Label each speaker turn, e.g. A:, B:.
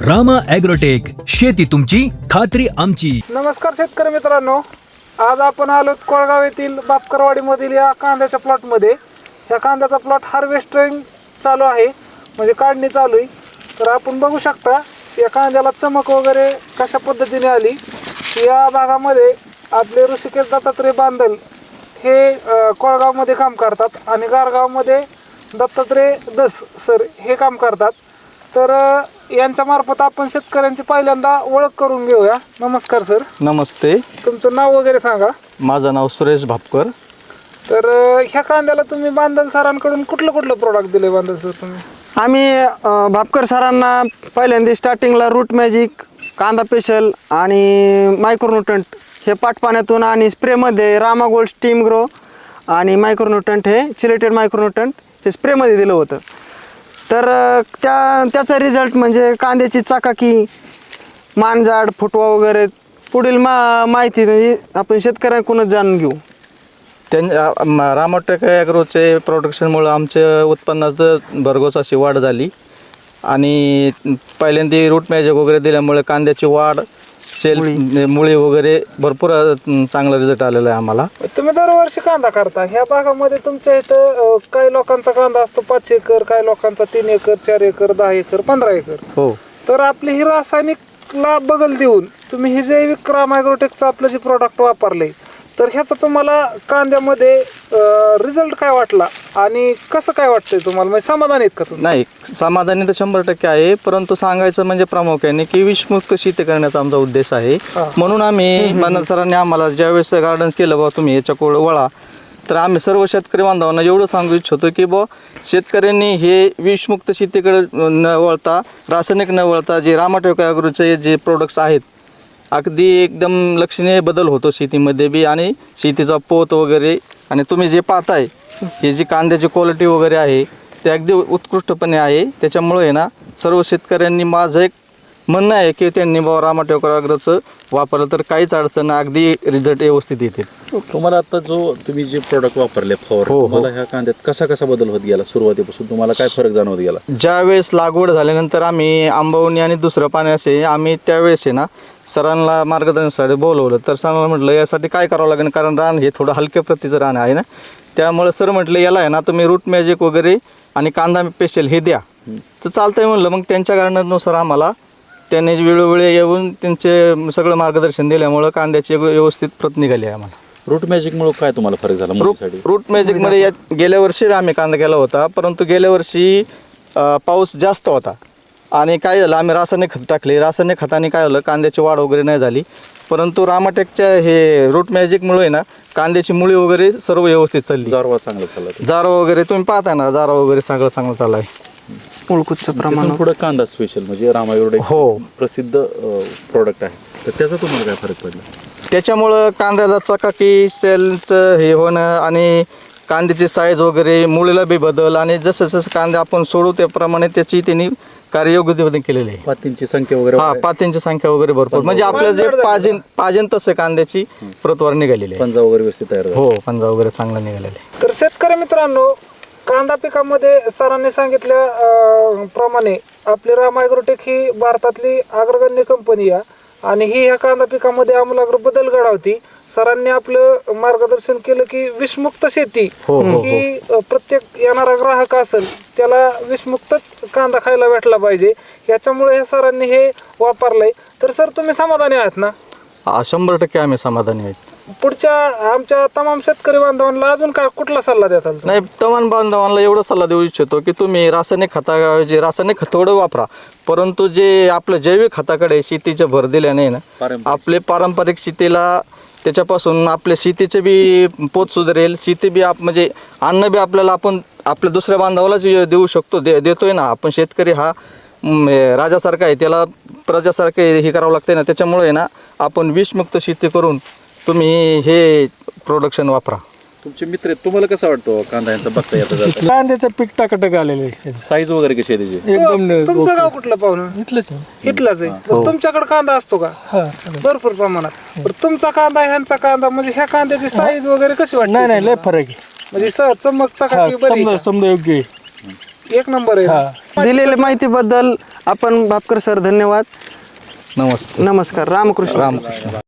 A: Rama agrotech, शेती तुमची खात्री आमची.
B: नमस्कार शेतकरी मित्रांनो, आज आपण आलो कोळगाव येथील बापकरवाडीमधील या कांद्याच्या प्लॉटमध्ये. या कांद्याचा प्लॉट हार्वेस्टिंग चालू आहे, म्हणजे काढणी चालू आहे. तर आपण बघू शकता या कांद्याला चमक वगैरे कशा पद्धतीने आली. या भागामध्ये आपले ऋषिकेश दत्तात्रय बांदल हे कोळगावमध्ये काम करतात आणि गारगावमध्ये दत्तात्रय दस सर हे काम करतात. तर यांच्या मार्फत आपण शेतकऱ्यांची पहिल्यांदा ओळख करून घेऊया. नमस्कार सर.
C: नमस्ते.
B: तुमचं नाव वगैरे सांगा.
C: माझं नाव सुरेश भापकर.
B: तर ह्या कांद्याला तुम्ही बांदल सरांकडून कुठलं प्रोडक्ट दिले बांदल सर तुम्ही?
D: आम्ही भापकर सरांना पहिल्यांदा स्टार्टिंगला रूट मॅजिक, कांदा स्पेशल आणि मायक्रोन्यूट्रंट हे पाटपाण्यातून आणि स्प्रेमध्ये रामा गोल्ड स्टीम ग्रो आणि मायक्रोन्यूट्रंट हे चिलेटेड मायक्रोन्यूट्रंट हे स्प्रेमध्ये दिलं होतं. तर त्याचा रिझल्ट म्हणजे कांद्याची चाकाकी, मानजाड, फुटवा वगैरे पुढील माहिती म्हणजे आपण शेतकऱ्यांकडूनच जाणून घेऊ.
C: रामाटेक ॲग्रोचे प्रोडक्शनमुळं आमच्या उत्पन्नात भरघोस अशी वाढ झाली आणि पहिल्यांदा रूट मॅजिक वगैरे दिल्यामुळे कांद्याची वाढ, सेल, मुळी वगैरे भरपूर चांगला रिझल्ट आलेला आहे आम्हाला.
B: तुम्ही दरवर्षी कांदा करता. ह्या भागामध्ये तुमच्या इथं काही लोकांचा कांदा असतो 5 एकर, काही लोकांचा 3 एकर, 4 एकर, 10 एकर, 15 एकर.
C: हो.
B: तर आपली ही रासायनिकला बगल देऊन तुम्ही हे जैविक रामा ॲग्रोटेकचं आपलं जे प्रोडक्ट वापरले, तर ह्याचा तुम्हाला कांद्यामध्ये रिझल्ट काय वाटला आणि कसं काय वाटतंय तुम्हाला? म्हणजे समाधान आहेत का तुम्ही?
C: नाही, समाधानी तर 100% आहे, परंतु सांगायचं म्हणजे प्रामुख्याने की विषमुक्त शेती करण्याचा आमचा उद्देश आहे. म्हणून आम्ही बांदल सरांनी आम्हाला ज्यावेळेस गार्डन्स केलं बा तुम्ही याच्याकडे वळा, तर आम्ही सर्व शेतकरी बांधवांना एवढं सांगू इच्छितो की बा शेतकऱ्यांनी हे विषमुक्त शेतीकडे न वळता, रासायनिक न वळता जे रामाटेक ॲग्रोचे जे प्रोडक्ट्स आहेत, अगदी एकदम लक्षणीय बदल होतो शेतीमध्ये बी आणि शेतीचा पोत वगैरे. आणि तुम्ही जे पाहताय ही जी कांद्याची क्वालिटी वगैरे आहे ते अगदी उत्कृष्टपणे आहे. त्याच्यामुळे आहे ना, सर्व शेतकऱ्यांनी माझं एक म्हणणं आहे की त्यांनी बाबा रामाटेक ॲग्रोचं वापरलं तर काहीच अडचण, अगदी रिझल्ट व्यवस्थित येते.
E: तुम्हाला आता जो तुम्ही जे प्रोडक्ट वापरले फॉर, तुम्हाला ह्या कांद्यात कसा बदल होत गेला? सुरुवातीपासून तुम्हाला काय फरक जाणवत गेला?
C: ज्यावेळेस लागवड झाल्यानंतर आम्ही आंबवणी आणि दुसरं पाणी असे आम्ही त्यावेळेस आहे ना सरांना मार्गदर्शनासाठी बोलवलं. तर सरांना म्हटलं यासाठी काय करावं लागेल, कारण रान हे थोडं हलक्या प्रतीचं रान आहे ना. त्यामुळे सर म्हटलं याला आहे ना तुम्ही रूट मॅजिक वगैरे आणि कांदा स्पेशल हे द्या. तर चालतंय म्हणलं. मग त्यांच्या गार्डननुसार आम्हाला त्यांनी वेळोवेळी येऊन त्यांचे सगळं मार्गदर्शन दिल्यामुळं कांद्याची व्यवस्थित प्रत निघाली आहे आम्हाला.
E: रूट मॅजिकमुळे काय तुम्हाला फरक झाला?
C: रूट मॅजिकमध्ये गेल्या वर्षी आम्ही कांदा केला होता, परंतु गेल्या वर्षी पाऊस जास्त होता आणि काय झालं, आम्ही रासायनिक खत टाकले. रासायनिक खताने काय झालं, कांद्याची वाढ वगैरे नाही झाली. परंतु रामाटेकच्या हे रूट मॅजिकमुळे ना कांद्याची मुळी वगैरे सर्व व्यवस्थित चालली.
E: जारवा चांगला चालला,
C: जारवा वगैरे तुम्ही पाहताय ना, जारवा वगैरे सगळं चांगलं चालू आहे.
D: मुळकुचं प्रमाण
E: पुढे कांदा स्पेशल म्हणजे रामा ॲग्रोटेक
C: हो
E: प्रसिद्ध प्रोडक्ट आहे. तर त्याचा तुम्हाला काय फरक पडला?
C: त्याच्यामुळं कांद्याला चकाकी, सेलचं हे होणं आणि कांद्याची साईज वगैरे, मुळीला बी बदल आणि जसं कांदे आपण सोडू त्याप्रमाणे त्याची त्यांनी कार्ययोग्य केलेली आहे.
E: पातींची संख्या वगैरे,
C: पातींची संख्या वगैरे भरपूर, म्हणजे आपल्या जे पाजेन तसं कांद्याची प्रतवार निघालेली आहे.
E: पंजा वगैरे व्यवस्थित तयार झाला.
C: हो, पंजा वगैरे चांगला निघालेला आहे.
B: तर शेतकरी मित्रांनो, कांदा पिकामध्ये सरांनी सांगितल्या प्रमाणे आपली रामा ॲग्रोटेक ही भारतातली अग्रगण्य कंपनी आहे आणि ही ह्या कांदा पिकामध्ये आमूलाग्र बदल घडवती. सरांनी आपलं मार्गदर्शन केलं की विषमुक्त शेती ही प्रत्येक येणारा ग्राहक असेल त्याला विषमुक्तच कांदा खायला भेटला पाहिजे. याच्यामुळे सरांनी हे वापरलंय. तर सर तुम्ही समाधानी आहात ना?
C: 100% आम्ही समाधानी आहेत.
B: पुढच्या आमच्या तमाम शेतकरी बांधवांना अजून काय कुठला सल्ला देताल?
C: नाही, तमाम बांधवांना एवढा सल्ला देऊ इच्छितो की तुम्ही रासायनिक खताऐवजी रासायनिक खत थोडं वापरा, परंतु जे आपलं जैविक खताकडे शेतीच्या भर दिल्याने ना आपले पारंपरिक शेतीला त्याच्यापासून आपल्या शेतीचे बी पोत सुधारेल. शेती बी म्हणजे अन्न बी आपल्याला आपण आपल्या दुसऱ्या बांधवालाच देऊ शकतो, देतोय ना. आपण शेतकरी हा राजासारखा आहे, त्याला प्रजासारखे हे करावं लागते ना. त्याच्यामुळे आहे ना आपण विषमुक्त शेती करून तुम्ही हे प्रोडक्शन वापरा.
E: तुमचे मित्र आहेत, तुम्हाला कसं वाटतं कांदा यांचा बघता येतं?
F: कांद्याचं पीक टाकाटक आलेलं आहे.
E: साईज वगैरे कशी आहे त्याची?
F: एकदम
B: तुमचं गाव कुठलं पाहुणं?
F: इथलंच
B: इथलाच आहे. तुमच्याकडे कांदा असतो का? भरपूर प्रमाणात. तुमचा कांदा ह्यांचा कांदा म्हणजे ह्या कांद्याची साईज वगैरे कशी वाटते?
F: नाही लय फरक आहे.
B: म्हणजे चमक चकाकी बरी
F: समजा योग्य आहे.
B: एक नंबर आहे.
D: दिलेल्या माहितीबद्दल आपण भापकर सर धन्यवाद.
C: नमस्ते.
D: नमस्कार. रामकृष्ण.
C: रामकृष्ण.